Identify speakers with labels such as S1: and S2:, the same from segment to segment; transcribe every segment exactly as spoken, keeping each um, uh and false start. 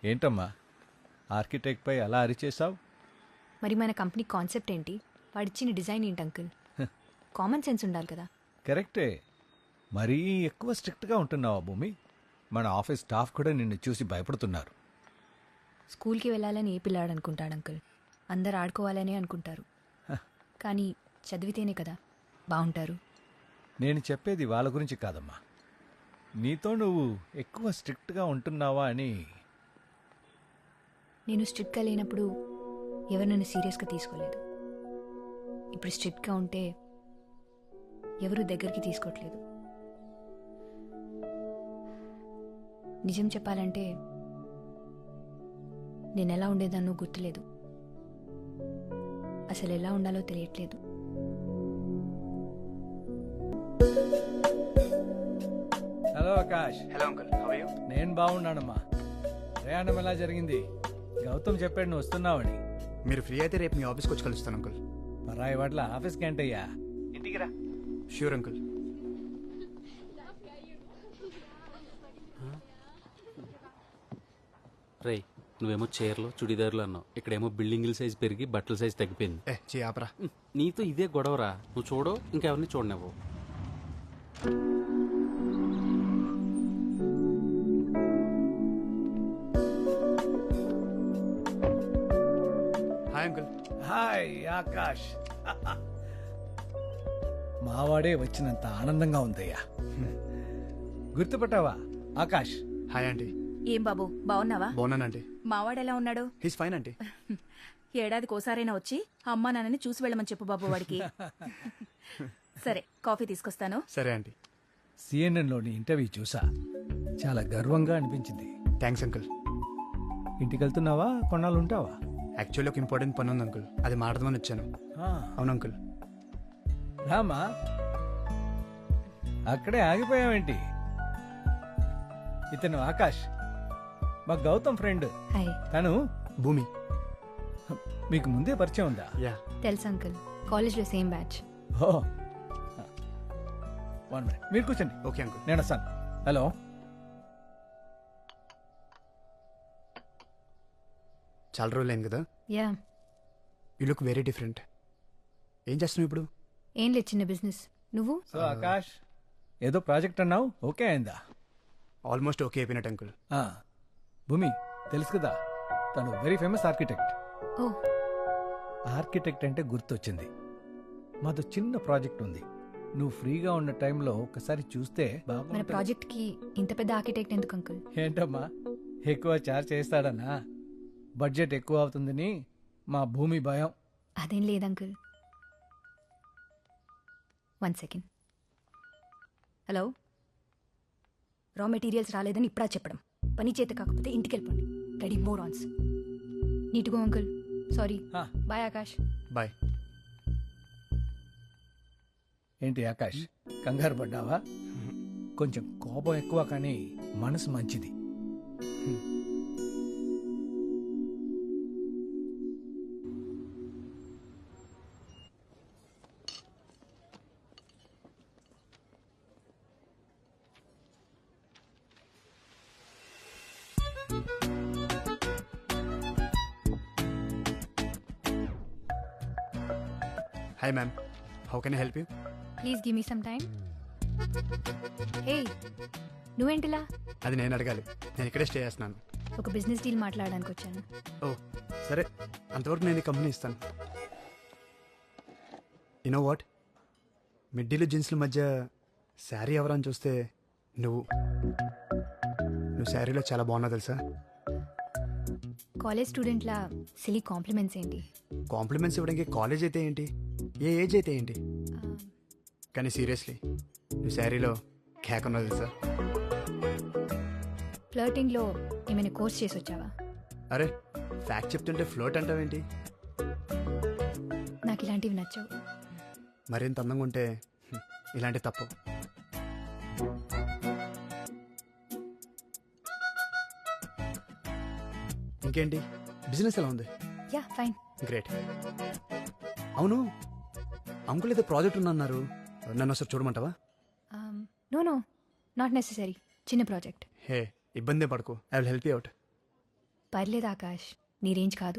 S1: ఏంటమ్మా ఆర్కిటెక్ట్పై అలా అరిచేసావు?
S2: మరి మన కంపెనీ కాన్సెప్ట్ ఏంటి? వాడిచ్చిన డిజైన్ ఏంటి అంకుల్? కామన్ సెన్స్ ఉండాలి కదా.
S1: కరెక్టే, మరీ ఎక్కువ స్ట్రిక్ట్గా ఉంటున్నావా భూమి? మన ఆఫీస్ స్టాఫ్ కూడా నిన్ను చూసి భయపడుతున్నారు.
S2: స్కూల్కి వెళ్ళాలని ఏ పిల్లాడు అనుకుంటాడు అంకుల్? అందరు ఆడుకోవాలనే అనుకుంటారు. కానీ చదివితేనే కదా బాగుంటారు.
S1: నేను చెప్పేది వాళ్ళ గురించి కాదమ్మా, నీతో నువ్వు ఎక్కువ స్ట్రిక్ట్గా ఉంటున్నావా అని.
S2: నేను స్ట్రిక్ట్గా లేనప్పుడు ఎవరు నన్ను సీరియస్గా తీసుకోలేదు. ఇప్పుడు స్ట్రిక్ట్గా ఉంటే ఎవరు దగ్గరికి తీసుకోవట్లేదు. నిజం చెప్పాలంటే నేను ఎలా ఉండేదాన్నో గుర్తులేదు. అసలు ఎలా ఉండాలో తెలియట్లేదు.
S1: Hello Akash.
S3: Hello uncle, how are you?
S1: నేను బాగున్నానమ్మా. ప్రయాణం ఎలా జరిగింది? గౌతమ్ చెప్పాడు నువ్వు వస్తున్నావని.
S3: మీరు ఫ్రీ అయితే రేపు మీ ఆఫీస్కి వచ్చి కలుస్తాను అంకుల్.
S1: పరాయి వాట్ల ఆఫీస్కి ఏంటయ్యా?
S3: ఇంటికి రా. Sure uncle.
S4: రే, నువ్వేమో చీరలు చుడిదారులు అన్నావు, ఇక్కడేమో బిల్డింగ్ల సైజ్ పెరిగి బట్టల సైజ్ తగ్గిపోయింది.
S3: ఏ చీ ఆపరా.
S4: నీతో ఇదే గొడవరా. నువ్వు చూడు, ఇంకెవరిని చూడనివ్వు.
S3: Hi uncle.
S1: హాయ్ ఆకాష్. మావాడే వచ్చినంత ఆనందంగా ఉందయ్యా. గుర్తుపట్టావా ఆకాష్?
S3: Hi aunty.
S5: ఏం బాబు, బాగున్నావా?
S3: బాగున్నానండి.
S5: మావాడెలా ఉన్నాడు?
S3: He's fine aunty.
S5: ఏడాదికి ఓసారైనా వచ్చి అమ్మా నాన్నని చూసి వెళ్ళమని చెప్పు బాబు వాడికి. సరే, కాఫీ తీసుకొస్తాను.
S3: సరే ఆంటీ.
S1: సిఎన్ఎన్లోని ఇంటర్వ్యూ చూసా, చాలా గర్వంగా అనిపించింది.
S3: Thanks uncle.
S1: ఇంటికి వెళ్తున్నావా, కొన్నాళ్ళు ఉంటావా?
S3: యాక్చువల్లీ ఒక ఇంపార్టెంట్ పని ఉంది అంకుల్, అది మాట్లాడదామని వచ్చాను.
S1: ఆ,
S3: అవును అంకుల్.
S1: రామా, అక్కడే ఆగిపోయావేంటి? ఇతను ఆకాష్, మా గౌతమ్ ఫ్రెండ్.
S2: హాయ్.
S1: తను
S3: భూమి.
S1: మీకు ముందే పరిచయం ఉందా?
S3: యా.
S2: తెలుసు అంకుల్, కాలేజ్లో సేమ్ బ్యాచ్.
S1: ఓ, వన్ మినిట్, మీరు కూర్చోండి.
S3: Okay uncle.
S1: నేను వస్తాను. హలో.
S3: చాలా రోజులు అయింది కదా.
S2: Yeah.
S3: You look very different. ఏం చేస్తున్నావు ఇప్పుడు?
S2: ఏం లేదు, చిన్న బిజినెస్. నువ్వు?
S1: సో ఆకాష్, ఏదో ప్రాజెక్ట్ అన్నావు, ఓకే అయిందా?
S3: ఆల్మోస్ట్ ఓకే అయిపోయినట్టు అంకుల్.
S1: ఆ, భూమి తెలుసు కదా, తను వెరీ ఫేమస్ ఆర్కిటెక్ట్.
S2: ఓ.
S1: ఆర్కిటెక్ట్ అంటే గుర్తొచ్చింది, మాతో చిన్న ప్రాజెక్ట్ ఉంది. నువ్వు ఫ్రీగా ఉన్న టైంలో ఒకసారి చూస్తే
S2: మన
S1: బాగుంటుంది.
S2: ప్రాజెక్ట్ కి ఇంత పెద్ద ఆర్కిటెక్ట్ ఎందుకు అంకుల్?
S1: ఏంటమ్మా, ఎక్కువ చార్జ్ చేస్తాడనా? బడ్జెట్ ఎక్కువ అవుతుందని మా భూమి భయం.
S2: అదేం లేదు uncle. One second. Hello. Raw materials రాలేదని ఇప్పుడా చెప్పడం? పని చేత కాకపోతే ఇంటికి వెళ్ళిపోండి. రెడీ మోర్ ఆన్స్. నీట్గో అంకుల్. సారీ.
S1: ఆ.
S2: బాయ్ ఆకాష్.
S3: బాయ్.
S1: ఏంటి ఆకాష్, కంగారు పడ్డావా? కొంచెం కోపం ఎక్కువ, కానీ మనసు మంచిది.
S3: Hi ma'am, how can I help you?
S2: Please give me some time. Hey, నువ్వేంటిలా?
S3: అది నేను అడగాలి, నేను ఇక్కడే స్టే చేస్తున్నాను.
S2: ఒక బిజినెస్ డీల్ మాట్లాడడానికి వచ్చాను.
S3: ఓ సరే, అంతవరకు నేను ఈ కంపెనీ ఇస్తాను. యూనో వాట్, మిడ్డీలు జీన్స్ల మధ్య శారీ ఎవరని చూస్తే నువ్వు నువ్వు శారీలో చాలా బాగున్నావు తెలుసా.
S2: కాలేజ్ స్టూడెంట్లా సిలీ కాంప్లిమెంట్స్ ఏంటి?
S3: కాంప్లిమెంట్స్ ఇవ్వడానికి కాలేజ్ అయితే ఏంటి, ఏ ఏజ్ అయితే ఏంటి, కానీ సీరియస్లీ నువ్వు శారీలో కేక్ ఉన్నావు తెలుసా.
S2: ఫ్లర్టింగ్లో ఏమైనా కోర్స్ చేసి వచ్చావా?
S3: అరే, ఫ్యాక్ట్ చెప్తుంటే ఫ్లోట్ అంటావేంటి?
S2: నాకు ఇలాంటివి నచ్చవు.
S3: మరింత అందంగా ఉంటే హ్మ్, ఇలాంటి తప్పు. ఇంకేంటి, బిజినెస్ ఎలా ఉంది?
S2: Yeah, fine.
S3: గ్రేట్. అవును, అంకుల్ ఏదో ప్రాజెక్ట్ ఉందన్నారు, నన్ను ఒకసారి చూడమంటావా?
S2: No no, not necessary. చిన్న ప్రాజెక్ట్.
S3: హే, ఇబ్బంది పడకు, I will help you out.
S2: పర్లేదు ఆకాష్, నీ రేంజ్ కాదు.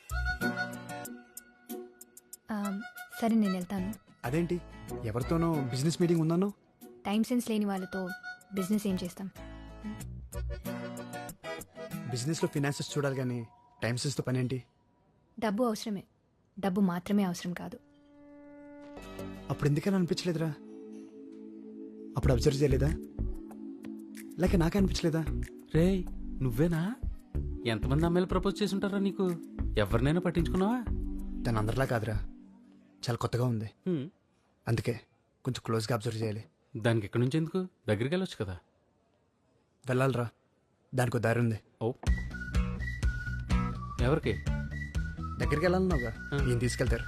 S2: ఆ, సరే నేను వెళ్తాను.
S3: అదేంటి ఎవరితోనో బిజినెస్ మీటింగ్ ఉందన్నో?
S2: టైం సెన్స్ లేని వాళ్ళతో బిజినెస్ ఏం చేస్తాం?
S3: బిజినెస్లో ఫినాన్సెస్ చూడాలి కానీ టైం సెన్స్తో పని ఏంటి?
S2: డబ్బు అవసరమే, డబ్బు మాత్రమే అవసరం కాదు.
S3: అప్పుడు ఎందుకని అనిపించలేదురా? అప్పుడు అబ్జర్వ్ చేయలేదా? లేక నాకే అనిపించలేదా?
S4: రే నువ్వేనా? ఎంతమంది అమ్మాయిలు ప్రపోజ్ చేసి ఉంటారా నీకు? ఎవరినైనా పట్టించుకున్నావా?
S3: తను అందరిలా కాదురా, చాలా కొత్తగా ఉంది.
S4: హ్మ్.
S3: అందుకే కొంచెం క్లోజ్గా అబ్జర్వ్ చేయాలి.
S4: దానికి ఎక్కడి నుంచి ఎందుకు? దగ్గరికి వెళ్ళొచ్చు కదా.
S3: వెళ్ళాలిరా, దానికి దారి ఉంది.
S4: ఓ ఎవరికి?
S3: దగ్గరికి వెళ్ళాలన్నావుగా,
S4: ఆ.
S3: ఈయన తీసుకెళ్తారు.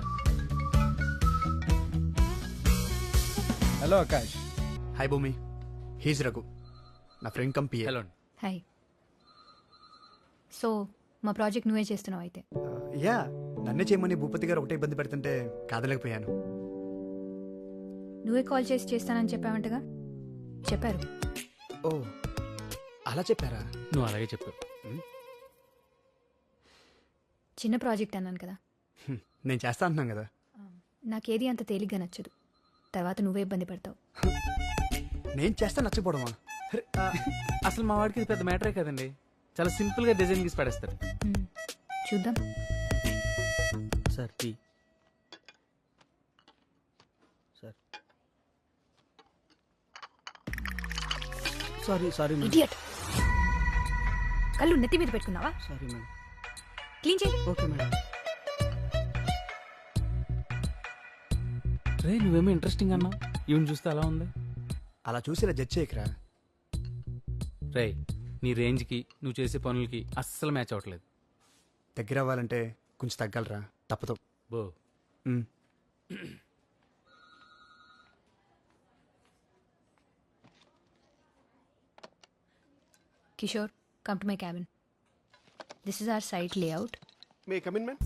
S1: Hello Akash.
S3: Hi Bhoomi, he's Raghu, నా ఫ్రెండ్ కంపీ.
S4: హలో.
S2: హాయ్. సో మా ప్రాజెక్ట్ నువ్వే చేస్తున్నావు అయితే?
S3: యా, నన్నే చేయమని భూపతి గారు ఒకటే ఇబ్బంది పెడుతుంటే కాదలేకపోయాను.
S2: నువ్వే కాల్ చేసి చేస్తానని చెప్పావంటగా? చెప్పారు.
S3: ఓ అలా చెప్పారా?
S4: నువ్వు అలాగే చెప్పు.
S2: చిన్న ప్రాజెక్ట్ అన్నాను కదా.
S3: హ్మ్, నేను చేస్తా అంటున్నాను కదా.
S2: నాకేది అంత తేలిగ్గా నచ్చదు, తర్వాత నువ్వే ఇబ్బంది పడతావు.
S3: నేను చేస్తా నచ్చపోవడమా? అరే,
S4: అసలు మా వాడికి ఇది పెద్ద మ్యాటరే కదండి. చాలా సింపుల్ గా డిజైన్ గీసి పడేస్తాడు.
S2: హ్మ్. చూద్దాం.
S4: Sir tea. Sir sorry sorry madam.
S2: Idiot. కళ్ళు నెత్తి మీద పెట్టుకున్నావా?
S4: Sorry madam.
S2: క్లీన్ చేయి.
S4: Okay madam. రే నువ్వేమో ఇంట్రెస్టింగ్ అన్నావు, ఈవెన్ చూస్తే అలా ఉంది.
S3: అలా చూసి ఇలా జడ్జ్ చేయకరా.
S4: రే నీ రేంజ్కి నువ్వు చేసే పనులకి అస్సలు మ్యాచ్ అవ్వట్లేదు.
S3: దగ్గర అవ్వాలంటే కొంచెం తగ్గలరా, తప్పదు.
S4: బో
S3: మ్.
S2: Kishore, come to my cabin. This is our site layout.
S6: May I come in, ma'am?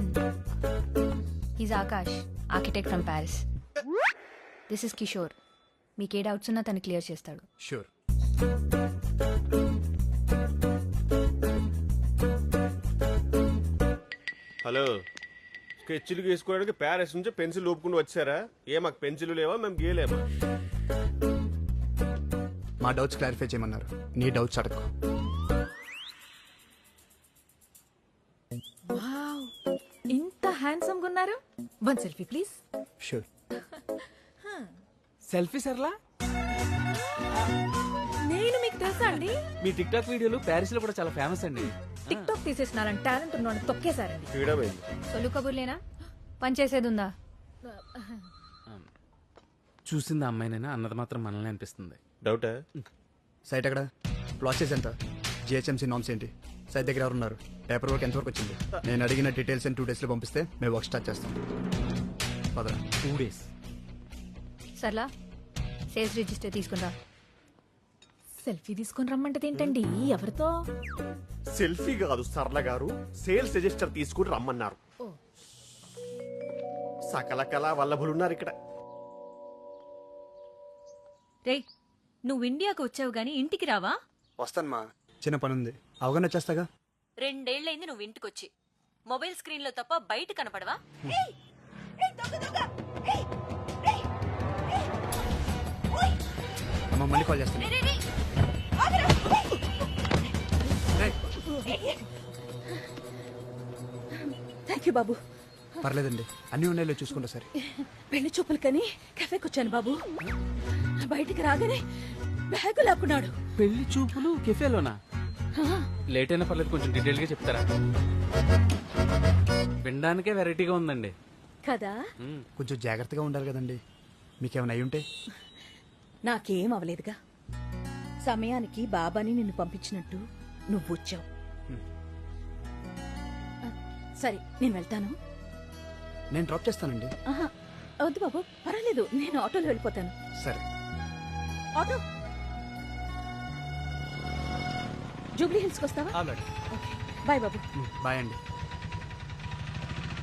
S2: He's Akash, architect from Paris. This is Kishore. మీకు ఏ డౌట్స్ ఉన్నా తను క్లియర్ చేస్తాడు.
S3: షూర్.
S6: హలో, స్కెచ్లు గీసుకోవడానికి ప్యారిస్ నుంచి పెన్సిల్ ఊపుకుంటూ వచ్చారా? ఏ మాకు పెన్సిల్ లేవా, మేము గీయలేమా?
S3: మా డౌట్స్ క్లారిఫై చేయమన్నారు, నీ డౌట్స్ అడగ.
S5: వావ్, ఇంత హ్యాండ్సమ్ గా ఉన్నారు. One selfie please.
S3: Sure.
S4: Selfie Sarla.
S5: నేను మీకు తెలుసా అండి?
S4: మీ టిక్ టాక్ వీడియోలు ప్యారిస్ లో కూడా చాలా ఫేమస్ అండి.
S5: టిక్ టాక్ తీసేసినారని టాలెంట్ ఉన్నాను తొక్కేశారండి.
S6: ఫ్రీడమ్ అయింది.
S2: సొల్లు కబుర్లేనా? పని చేసేది ఉందా?
S4: చూసింది అమ్మాయినైనా అన్నది మాత్రం మనల్ని అనిపిస్తుంది.
S6: డౌటా?
S3: సైట్ ఎక్కడ? ప్రాసెస్ ఎంత? జిహెచ్ఎంసీ నామ్స్ ఏంటి? సైట్ దగ్గర ఎవరు ఉన్నారు? పేపర్ వర్క్ ఎంతవరకు వచ్చింది? నేను అడిగిన డీటెయిల్స్ టూ డేస్లో పంపిస్తే మేము వర్క్ స్టార్ట్ చేస్తాం. పదరా.
S4: Two days
S2: Sarla, sales register తీసుకుందా.
S5: సెల్ఫీ తీసుకొని రమ్మంటది ఏంటండి? ఎవరితో?
S6: సెల్ఫీ కాదు సరళ గారు, సేల్స్ రిజిస్టర్ తీసుకుని రమ్మన్నారు. సకల కళా వల్లభులున్నారు ఇక్కడ.
S7: రేయ్, నువ్వు ఇండియాకు వచ్చావు గాని ఇంటికి రావా?
S3: వస్తాను మా, చిన్న పని ఉంది, అవగాహన వచ్చేస్తాగా.
S7: రెండేళ్లైంది నువ్వు ఇంటికొచ్చి. మొబైల్ స్క్రీన్ లో తప్ప బయట కనపడవా?
S3: అమ్మ మళ్ళీ కాల్ చేస్తాను.
S5: థ్యాంక్ యూ బాబు.
S3: పర్లేదండి, అన్ని ఉన్నాయో చూసుకుంటా సరే.
S5: పెళ్లి చూపులు కని కెఫేకి వచ్చాను బాబు. బయటికి రాగానే బ్యాగు లాక్కున్నాడు.
S4: పెళ్లి చూపులు కెఫేలోనా? లేట్ అయినా పర్లేదు, కొంచెం డీటెయిల్ గా చెప్తారా? వినడానికే వెరైటీగా ఉందండి
S5: కదా.
S4: మ్మ్.
S3: కొంచెం జాగ్రత్తగా ఉండాలి కదండి, మీకేమైనా అయి ఉంటే.
S5: నాకేం అవలేదుగా. సమయానికి బాబాని నిన్ను పంపించినట్టు నువ్వు వచ్చావు. సరే నేను వెళ్తాను.
S3: నేను డ్రాప్ చేస్తానండి.
S5: ఆహా, వద్దు బాబు, పర్వాలేదు, నేను ఆటోలో వెళ్ళిపోతాను.
S3: సరే.
S5: ఆటో జూబ్లీ హిల్స్కి వస్తావా?
S3: ఆల్రెడీ.
S5: ఓకే, బాయ్ బాబు.
S3: బాయ్ అండి.